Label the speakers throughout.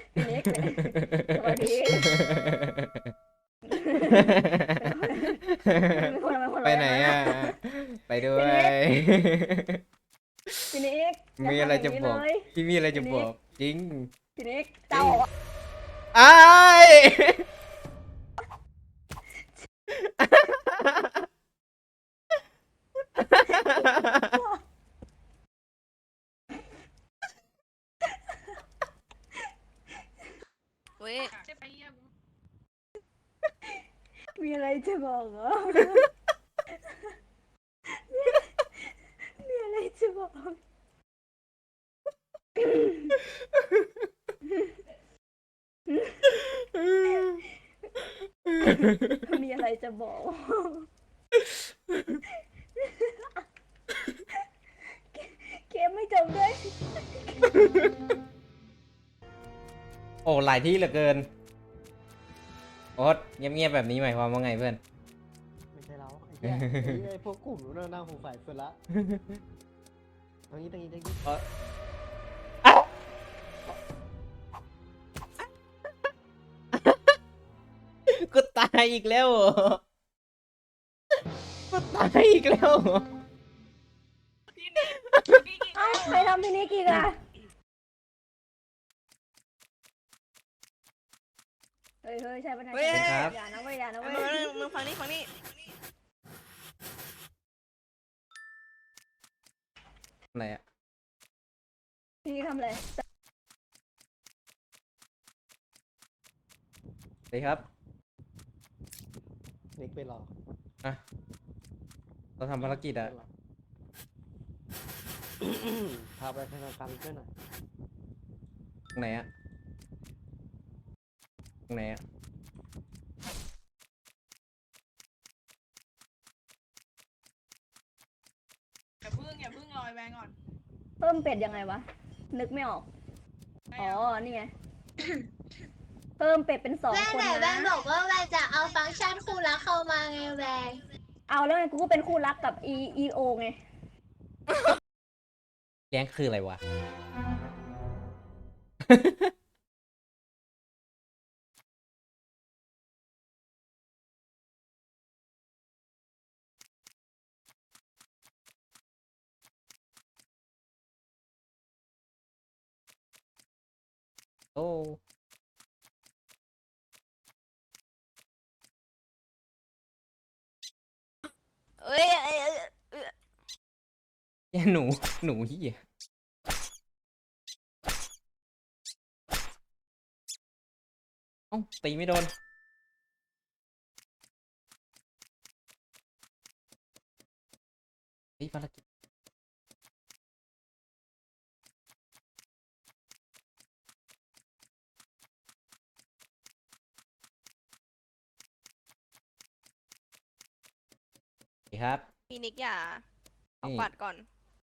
Speaker 1: พี่นิกสวัสดีเป็นคนเป็นคน
Speaker 2: ไปไหนอ่ะไปด้วย
Speaker 1: พี่นิก
Speaker 2: มีอะไรจะบอก
Speaker 1: เลย
Speaker 2: พี่มีอะไรจะบอกจริง
Speaker 1: พี่นิก
Speaker 2: จริ
Speaker 1: เจ้า
Speaker 2: งไอ้าย
Speaker 3: เว้ย
Speaker 1: มีอะไรจะบอกเหรอมีอะไรจะบอกมีอะไรจะบอกเกมไม่จบด้วย
Speaker 2: โอ้หลายที่เหลือเกินโอ๊ตเงียบๆแบบนี้หมายความว่าไงเพื่อน
Speaker 4: ไม่ใช่เราไอ้เหี้ยไอ้พวกกลุ่มนู้นนั่งสงสัยสุดละตรงนี้
Speaker 2: กูตายอีกแล้วเหรอกูตายอีกแล้วเหรอ
Speaker 1: เอ้าใครทำพี่นิกอีกอะเฮ้ยใช่ปะเนี่ย
Speaker 3: เว้ย
Speaker 1: อย่านะเว้ยอย่านะ
Speaker 3: เอา
Speaker 1: เว้ย
Speaker 3: มึงฟังนี่
Speaker 2: อะไรอ่ะ
Speaker 1: พี่นิกทำอะไร
Speaker 2: สวัสดีครับ
Speaker 4: นิกไปรอ
Speaker 2: อ่ะเราทำภารกิจอ่ะ
Speaker 4: พาไปธนาคารช่วยหน่อย
Speaker 2: ตรงไหนอ่ะตรงไหนอ่ะ
Speaker 5: อย่าพึ่งลอยแวงก่อน
Speaker 1: เพิ่มเป็ดยังไงวะ นึกไม่ออก อ๋อ นี่ไง เพิ่มเป็ดเป็น2
Speaker 6: แม่
Speaker 1: คน
Speaker 6: ไหนแม่
Speaker 1: นะ
Speaker 6: บอกว่าแม่จะเอาฟังก์ชันคู่รักเข้ามาไงแม่
Speaker 1: เอาแล้วไงกูก็เป็นคู่รักกับ EO ไง
Speaker 2: เลี้ยงคืออะไรวะ โอ้
Speaker 3: เอ้ย
Speaker 2: ยหนูเหี้ยเอ้าตีไม่โดนเฮ้ยภารกิจสวัสดีครับ
Speaker 3: พี่นิกอย่าเอา
Speaker 2: นี่
Speaker 3: ปัดก่อน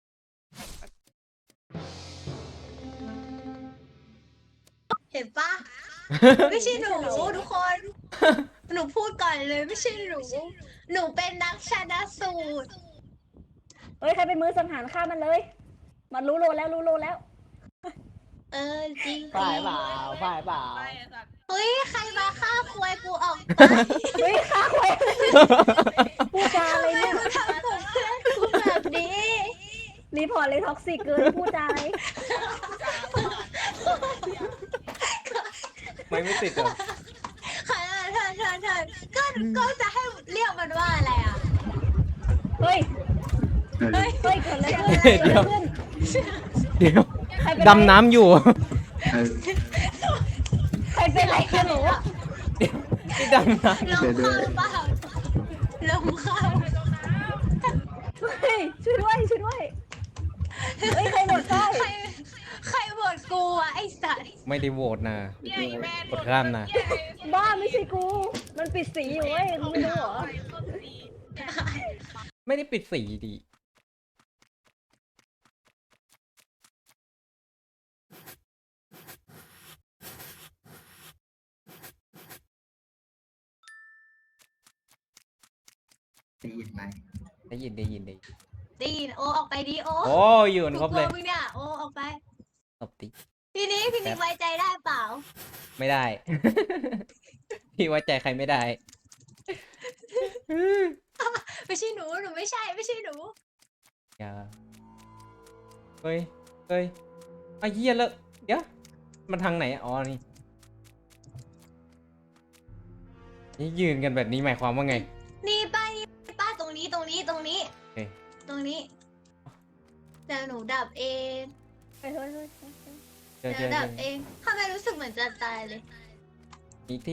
Speaker 6: เห็นปะ ไม่ใช่หนูทุกคน หนูพูดก่อนเลยไม่ใช่หนู หนูเป็นนักชนะสูตร
Speaker 1: เฮ้ย ใครเป็นมือสังหารฆ่ามันเลย มันรู้โลแล้ว
Speaker 6: เออจริง
Speaker 4: ฝ่ายเปล่า
Speaker 5: ไปไอ้สัตว์
Speaker 6: เฮ้ยใครมาฆ่าควยกูออกไป
Speaker 1: เฮ้ยฆ่าใครพูดจาอะไร
Speaker 6: ทำไม
Speaker 1: เนี่ย
Speaker 6: กูทำกับเพื่อนกูแบบนี้
Speaker 1: รีพอร์ตเลยท็อกซิกเกินพูดจาอะไร
Speaker 2: ไม่ติดเหรอ
Speaker 6: เธอก็จะให้เรียกมันว่าอะไรอ่ะ
Speaker 1: เฮ้ย
Speaker 6: เฮ้ย
Speaker 1: เฮ้ยเกิดอะไรขึ้น
Speaker 2: เดี๋ยว
Speaker 1: เกิดอะไรขึ้น
Speaker 2: เดี๋ยว
Speaker 1: ใครเป็น
Speaker 2: ดำน้ำอยู่
Speaker 1: ใครเป็นไรกันหนู
Speaker 2: นี่ดำน้
Speaker 6: ลงข้าวเปล่าลงข้าว
Speaker 1: เฮ้ยช่วยด้วยเฮ้ยใครหมดไส้
Speaker 6: ใครโหวตกูอ่ะไอ้สัตว์
Speaker 2: ำไม่ได้โหวตนะ
Speaker 5: เนี่ยไอ้แม่
Speaker 2: กดข้ามนะ
Speaker 1: บ้าไม่ใช่กู มันปิดสีอยู่เว้ยมึงไม่รู้เหรอ
Speaker 2: ไม่ได้ปิดสีดี
Speaker 7: ได้ยินไหม
Speaker 2: ได้ยิน
Speaker 6: ดีนโอออกไปดีโอ
Speaker 2: โอ้อยู่กันครบเลย
Speaker 6: กูกวมึงเนี่ยโอออกไป
Speaker 2: ตบตี
Speaker 6: พี่นิกไว้ใจได้เปล่า
Speaker 2: ไม่ได้ พี่ไว้ใจใครไม่ได้
Speaker 6: ไม่ใช่หนูไม่ใช่หนู
Speaker 2: อย่าเฮ้ยไอ้เหี้ยแล้วเดี๋ยวมันทางไหนอะอ๋อนี่ยืนกันแบบนี้หมายความว่าไง
Speaker 6: นี่ป้าตรงนี้
Speaker 2: โอเค
Speaker 6: ตรงนี้เดี๋ยวหนูดับเอง
Speaker 1: เฮ้ย
Speaker 2: เจอ
Speaker 6: เดี๋ยวดับเองทำไมรู้สึกเหมือนจะตายเลย
Speaker 2: อีกที่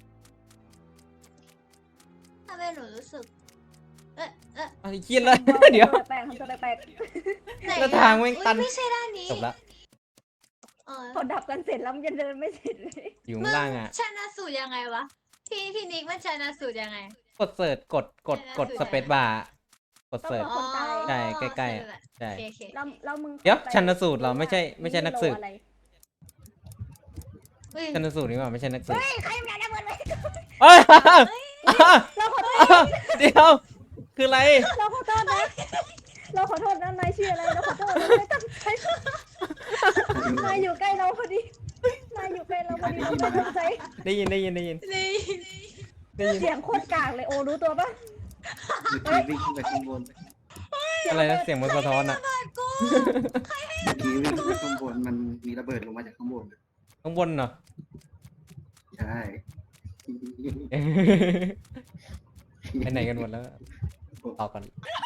Speaker 6: ทำไมหนูรู้สึก
Speaker 2: ไอ้เหี้ยแล้ว เดี๋ยว
Speaker 1: แปลกๆทำตัวแปลก
Speaker 6: ไหน
Speaker 2: แล้วทางแม่งตัน
Speaker 6: อุ๊ยไม่ใช่ด้านนี้
Speaker 2: จบละ
Speaker 6: เออ
Speaker 1: ๆพอดับกันเสร็จแล้วมันจะเดินไม่เสร็จเลย
Speaker 2: อยู่ข้างล่างอ่ะ
Speaker 6: ชนะสูตรยังไงวะพี่นิกมันชนะสูตรยังไง
Speaker 2: กดเสิร์ชกดสเปซบาร์กดเสิร์ช
Speaker 1: คนตาย
Speaker 2: ใช่ใกล้ๆอะ
Speaker 6: สรุป
Speaker 2: ใช่
Speaker 6: โอเค
Speaker 1: แล้วมึง
Speaker 2: เดี๋ยวชันสูตรเราไม่ใช่นักสืบ
Speaker 1: อะไร
Speaker 6: เฮ้ย
Speaker 2: ชันสูตรนี่ว่าไม่ใช่นักสืบ
Speaker 1: เฮ้ยใครมันระเบิดไว้
Speaker 2: เอ้ย
Speaker 1: เราขอโทษ
Speaker 2: เดี๋ยวคืออะไร
Speaker 1: เราขอโทษนะนายชื่ออะไรเราขอโทษเราไม่ตั้งใจนายอยู่ใกล้เราพอดีเราไม่ตั้งใจ
Speaker 2: ได้ยิน
Speaker 6: นี่
Speaker 1: เสียงโคตรกากเลยโอรู้ตัวปะ
Speaker 7: เมื่อกี้วิ่งขึ้นไปข้างบน
Speaker 2: อะไรนะเสียงมันสะท้อนอ่ะ
Speaker 7: เมื่อกี้วิ่งขึ้นไปข้างบนมันมีระเบิดลงมาจากข้างบน
Speaker 2: ข้างบนเหรอ
Speaker 7: ใช่
Speaker 2: ไปไหนกันหมดแล้วรอก่อน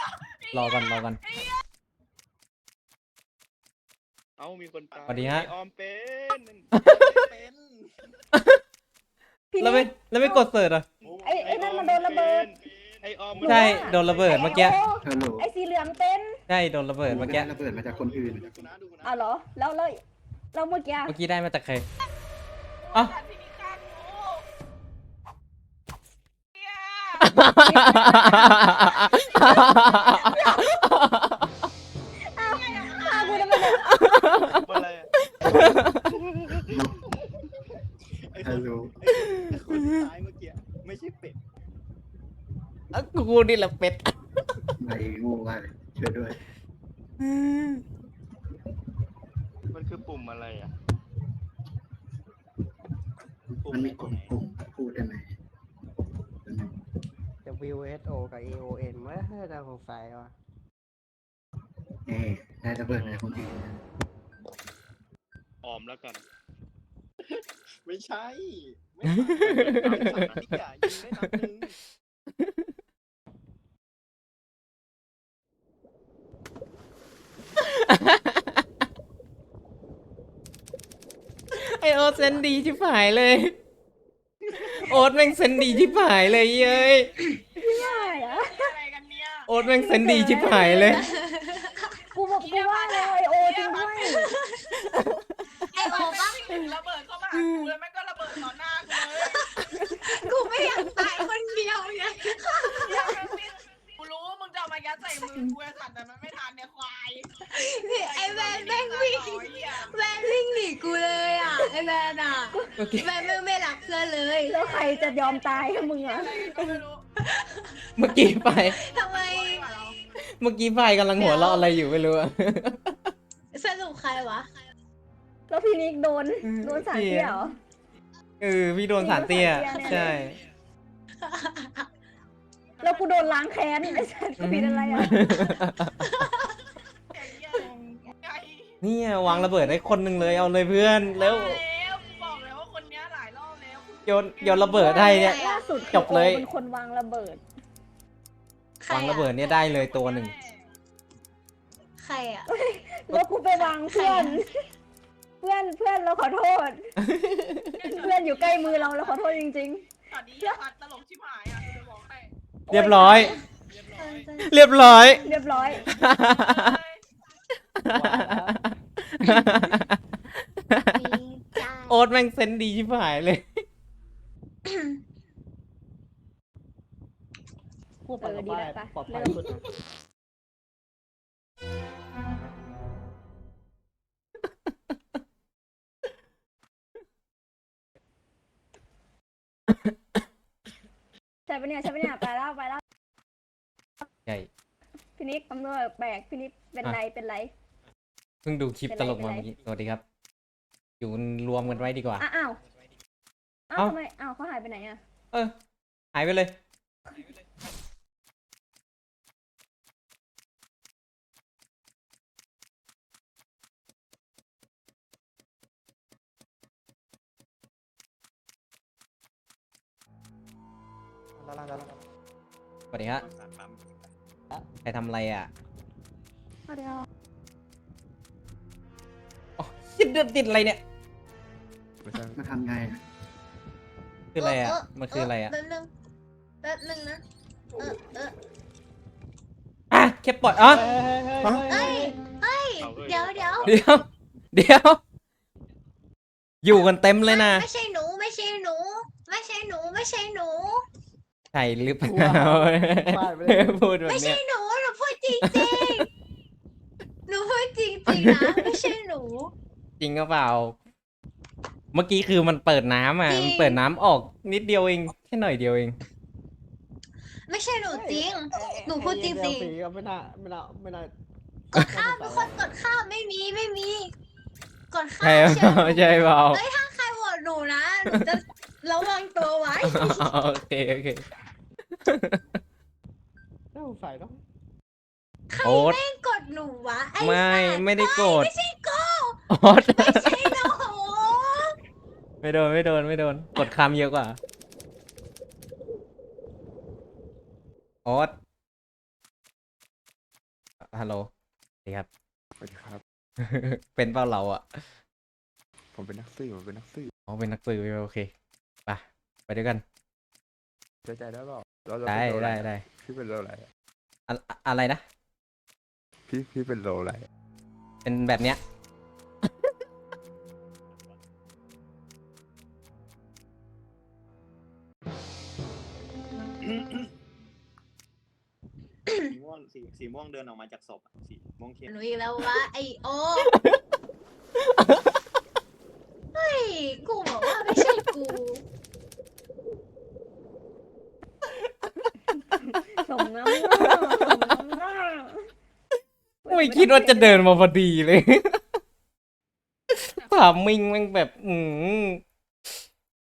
Speaker 8: เอ้ามีคนตาย
Speaker 2: สวัสดีฮะ
Speaker 8: ไอ้ออมเป็น
Speaker 1: พี่
Speaker 2: แล้ว
Speaker 1: นิก
Speaker 2: ไม่กดเสิร์ชอ่ะ
Speaker 1: ไอ้นั่นมันโดนระเบิด
Speaker 8: ไอ้ออม
Speaker 2: ใช่โดนระเบิดเมื่อกี้
Speaker 7: ฮัลโหล
Speaker 1: ไอ้สีเหลืองเป็น
Speaker 2: ใช่โดนระเบิดเมื่อกี้
Speaker 7: ระเบิดมาจากคนอื่น
Speaker 1: อ้าวเหรอแล้วเมื่อกี้
Speaker 2: เมื่อกี้ได้มาจากใครอ๋อ
Speaker 5: พี่นิกฆ่ากูเนี่ย
Speaker 1: ฆ่ากูทำไมเนี่ย
Speaker 8: อะไรอะไอ้ค
Speaker 7: ฮั
Speaker 8: น
Speaker 7: ลโหล
Speaker 8: ไอ้คนที่ตายเมื่อกี้ไม่ใช่เป็ด
Speaker 2: กูนี่แหละเป็ด
Speaker 7: ไม่โง่มากเลยช่วยด้วย
Speaker 8: มันคือปุ่มอะไรอ่ะปุ่ม
Speaker 7: มัน
Speaker 8: ไหน
Speaker 7: มีก
Speaker 8: ปุ่
Speaker 7: ด
Speaker 8: มไหน
Speaker 7: ปุ่มพูดได้ไหม
Speaker 4: WSO กับ AON ว่าน่าสงสัยว่ะ
Speaker 7: ได้ระเบิดมาจากคนอื่น
Speaker 8: ออมแล้วกัน ไม่ใช่ไม่ใช่อย่ายิงได้นัดนึง
Speaker 2: ไอโอ๊ตเซนดีชิบหายเลย โอ๊ตแม่งเซนดีชิบหายเลยเย้ย
Speaker 1: ใช่อะ
Speaker 5: อะไรกันเนี่ย
Speaker 2: โอ๊ตแม่งเซนดีชิบหายเลย
Speaker 1: กูว่าเลยโอจริงด้วย
Speaker 6: ไอโอปะ
Speaker 5: ถึงระเบิดเข้ามาหากูแล้วแม่งก็ระเบิดต่อหน้ากูเลย
Speaker 6: กูไม่อยากตายคนเดียวไง
Speaker 5: กูรู้ว่ามึงจะเอามายัดใส่มือกูไอ้สัตว์แต่มันไม่ทันเนี่ยควาย
Speaker 6: นี่ไอแวนแม่งวิ่งแวนวิ่งหนีกูเลยอ่ะไอแวนอ่ะ
Speaker 2: โอเค
Speaker 6: แวนไม่รักเพื่อนเลย
Speaker 1: แล้วใครจะยอมตายให้มึงอะ
Speaker 5: อะไรก็ไม่รู้
Speaker 2: เมื่อกี้ไฟ
Speaker 6: ทำไม
Speaker 2: กำลังหัวเราะอะไรอยู่ไม่รู้อะ
Speaker 6: สรุปใครวะ
Speaker 1: แล้วพี่นิกโดนสารเตี้ยเหรอ
Speaker 2: พี่โดนสารเตี้ย ใช่
Speaker 1: แล้วกูโดนล้างแค้นไอ้สัตว์กูผิดอะไรอะ
Speaker 5: ไอ้เหี้ยไอ้
Speaker 2: เนี่ยวางระเบิดให้คนหนึ่งเลยเอาเลยเพื่อนแล้ว
Speaker 5: แล้วกูบอกแล้วว่าคนเนี้ยหลายรอบแล้ว
Speaker 2: โยนระเบิดให้เนี่ย
Speaker 1: ล่าสุด
Speaker 2: จบเลย
Speaker 1: โอเป็นคนวางระเบิด
Speaker 6: ใคร
Speaker 2: วางระ
Speaker 6: อะ
Speaker 2: เบิดเนี่ยได้เลยตัวหนึ่ง
Speaker 6: ใครอ่ะ
Speaker 1: แล้วกูไปวางเพื่อน เพื่อนเราขอโทษ เพื่อนอยู่ใกล้มือเราขอโทษจริง
Speaker 5: ตอนนี้อย่าพัดตลกชิบหายอ่ะกูจะบอกให้
Speaker 2: เรียบร้อย
Speaker 5: เรียบร้อย
Speaker 2: เรียบร้อย
Speaker 1: ๆ เรียบร้อย
Speaker 2: โอ๊ตแม่งเซนดีชิบหายเลย
Speaker 4: พูดไปก็
Speaker 1: ดี
Speaker 4: ไป
Speaker 1: แล้วปะ
Speaker 4: ปลอดภัย
Speaker 1: เริ่ม
Speaker 4: สุดนะ
Speaker 1: ใช่ปะเนี่ยไปแล้ว
Speaker 2: ใช่
Speaker 1: พี่นิกตำรวจแปลกพี่นิกเป็นไร
Speaker 2: เพิ่งดูคลิปตลกมาเมื่อกี้ สวัสดีครับอยู่รวมกันไว้ดีกว่า
Speaker 1: อ้าวอ้าว
Speaker 2: เอ้า
Speaker 1: ทำไมอ้าวเขาหายไปไหนอ่ะ
Speaker 2: เออ หายไปเลย
Speaker 4: ด้านล่างด้านล่าง
Speaker 2: สวัสดีฮะใครทำอะไรอ่ะ
Speaker 1: เดี๋ยว
Speaker 2: อ๋อติดอะไรเนี่ย
Speaker 7: มาทำไงอะ
Speaker 2: คืออะไรอ่ะ มันคืออะไรอ่ะ
Speaker 6: แป๊บนึงแป๊บนึงนะ
Speaker 2: อ่ะแค่ปล่อยอ๋อ
Speaker 6: เอ้ยเอ้ยเดี๋ยว
Speaker 2: เดี๋ยว เดี๋ยว อยู่กันเต็มเลยนะ
Speaker 6: ไม่ใช่หนูไม่ใช่หนู ไม่ใช่หนูไม่ใช่หนู
Speaker 2: ใช่หรือเปล่า
Speaker 4: ป้ายไปเลย
Speaker 2: พูดแบบ
Speaker 6: ไม่
Speaker 2: เนี้
Speaker 6: ใช่
Speaker 2: ย
Speaker 6: หนูหนูพูดจริงจริงหนูพูดจริงจริงนะไม่ใช่หนู
Speaker 2: จริงก็เปล่า เมื่อกี้คือมันเปิดน้ำอ่ะ
Speaker 6: จริง
Speaker 2: มันเปิดน้ำออกนิดเดียวเอง แค่หน่อยเดียวเอง
Speaker 6: ไม่ใช่หนูจริง หนูพูดจริง
Speaker 4: ไอ้
Speaker 6: จริง
Speaker 4: เหี้ยเดี๋ยวฝีก็ไม่น่า
Speaker 6: กดข้ามเป็นคนกดข้ามไม่มีกดข้า
Speaker 2: ใช่
Speaker 6: ม
Speaker 2: เปล่าใช่เปล่า
Speaker 6: เฮ้ยถ้าใครโหวตหนูนะหนูจะระวังตัวไว้
Speaker 2: โอเคโอเค
Speaker 4: หน้าหูฝ่ายเนาะ
Speaker 6: ใคร
Speaker 2: โอ๊ต
Speaker 6: แม่งกดหนูวะไอ้
Speaker 2: ไม่
Speaker 6: สัตว์
Speaker 2: ไม่ได้โกรธ
Speaker 6: ไม่ใช่กู
Speaker 2: โอ๊ต
Speaker 6: ไม่ใช่หนู
Speaker 2: ไม่โดน กดคำเยอะกว่า โอ๊ตฮัลโหลสวัสดีครับ
Speaker 9: สวัสดีครับ
Speaker 2: เป็นเปล่าเราอ่ะ
Speaker 9: ผมเป็นนักสืบผมเป็นนักสืบ
Speaker 2: อ๋อ เป็นนักสืบโอเค ไปด้วยกัน
Speaker 9: เชื่อใจได้เปล่าเรา
Speaker 2: ได้
Speaker 9: เป็นโลอะร
Speaker 2: ได้
Speaker 9: พี่เป็นโลอะไรอะ
Speaker 2: อะไรนะ
Speaker 9: พี่เป็นโลอะไรอะ
Speaker 2: เป็นแบบเนี้ย
Speaker 8: สีม่วงเดินออกมาจากศพอะสีม่วงเข้ม
Speaker 6: หนูอีกแล้ววะไอโอเฮ้ยกูบอกว่าไม่ใช่กู
Speaker 1: สมน้ำหน้าสมน้ำหน้า
Speaker 2: ไม่คิดว่าจะเดินมาพอดีเลย ถามมิงมันแบบ